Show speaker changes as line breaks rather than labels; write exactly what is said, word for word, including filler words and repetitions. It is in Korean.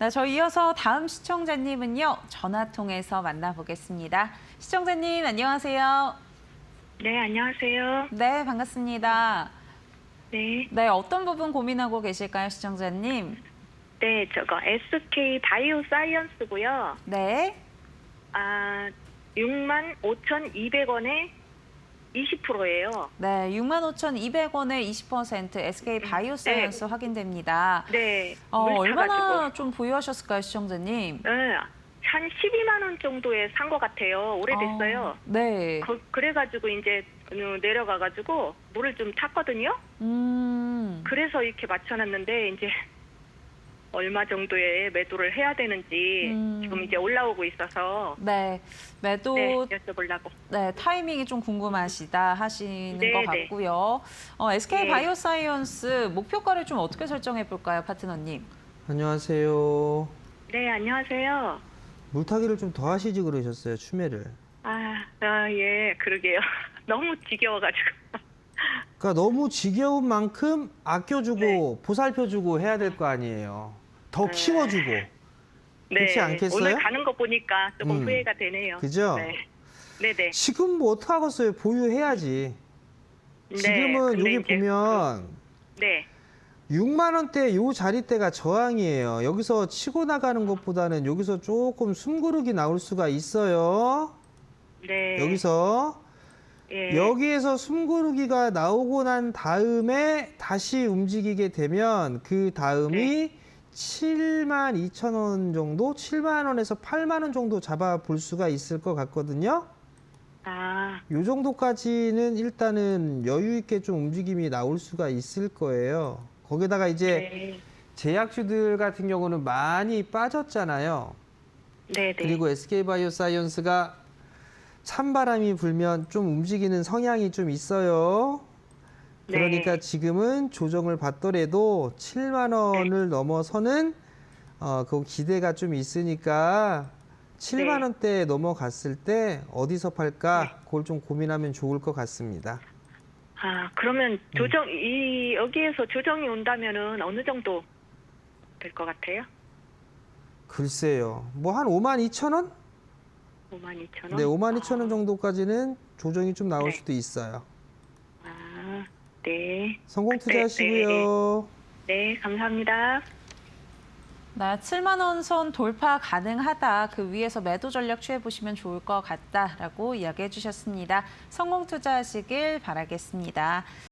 네, 저희 이어서 다음 시청자님은요. 전화 통해서 만나보겠습니다. 시청자님 안녕하세요.
네, 안녕하세요.
네, 반갑습니다.
네.
네, 어떤 부분 고민하고 계실까요, 시청자님?
네, 저거 에스케이 바이오 사이언스고요.
네.
아, 육만 오천이백 원에 이십 퍼센트예요.
네, 육만 오천이백 원에 이십 퍼센트 에스케이 바이오사이언스
네.
확인됩니다.
네.
어,
물
얼마나
타가지고.
좀 보유하셨을까요, 시청자님?
네, 한 십이만 원 정도에 산 것 같아요. 오래됐어요.
어, 네.
거- 그래가지고 이제 내려가가지고 물을 좀 탔거든요.
음.
그래서 이렇게 맞춰놨는데 이제 얼마 정도에 매도를 해야 되는지
음.
지금 이제 올라오고 있어서
네, 매도
네, 여쭤보려고.
네, 타이밍이 좀 궁금하시다 하시는
네,
것
네.
같고요. 어, 에스케이
네.
바이오사이언스 목표가를 좀 어떻게 설정해 볼까요, 파트너님?
안녕하세요.
네, 안녕하세요.
물타기를 좀 더 하시지 그러셨어요, 추매를.
아, 아, 예, 그러게요. 너무 지겨워가지고.
그러니까 너무 지겨운 만큼 아껴주고
네.
보살펴주고 해야 될 거 아니에요. 더
네.
키워주고.
네,
그렇지 않겠어요?
오늘 가는 거 보니까 조금
음.
후회가 되네요.
그죠?
네, 네, 네.
지금 뭐 어떡하겠어요. 보유해야지. 지금은
근데
여기
이제
보면
그- 네,
육만 원대 요 자리대가 저항이에요. 여기서 치고 나가는 것보다는 여기서 조금 숨고르기 나올 수가 있어요.
네.
여기서
예,
여기에서 숨고르기가 나오고 난 다음에 다시 움직이게 되면 그 다음이
네.
칠만 이천 원 정도, 칠만 원에서 팔만 원 정도 잡아볼 수가 있을 것 같거든요.
아,
요 정도까지는 일단은 여유 있게 좀 움직임이 나올 수가 있을 거예요. 거기다가 이제
네,
제약주들 같은 경우는 많이 빠졌잖아요.
네, 네.
그리고 에스케이 바이오사이언스가 찬바람이 불면 좀 움직이는 성향이 좀 있어요. 그러니까
네.
지금은 조정을 받더라도 칠만 원을 넘어서는 어, 그 기대가 좀 있으니까 칠만
네.
원대에 넘어갔을 때 어디서 팔까? 그걸 좀 고민하면 좋을 것 같습니다.
아, 그러면 조정 이 여기에서 조정이 온다면은 어느 정도 될 것 같아요?
글쎄요. 뭐 한 오만 이천 원?
오만 이천 원.
네, 오만 이천 원
아,
정도까지는 조정이 좀 나올
네.
수도 있어요.
아, 네.
성공
그때,
투자하시고요.
네, 감사합니다.
네, 칠만 원 선 돌파 가능하다. 그 위에서 매도 전략 취해 보시면 좋을 것 같다라고 이야기해 주셨습니다. 성공 투자하시길 바라겠습니다.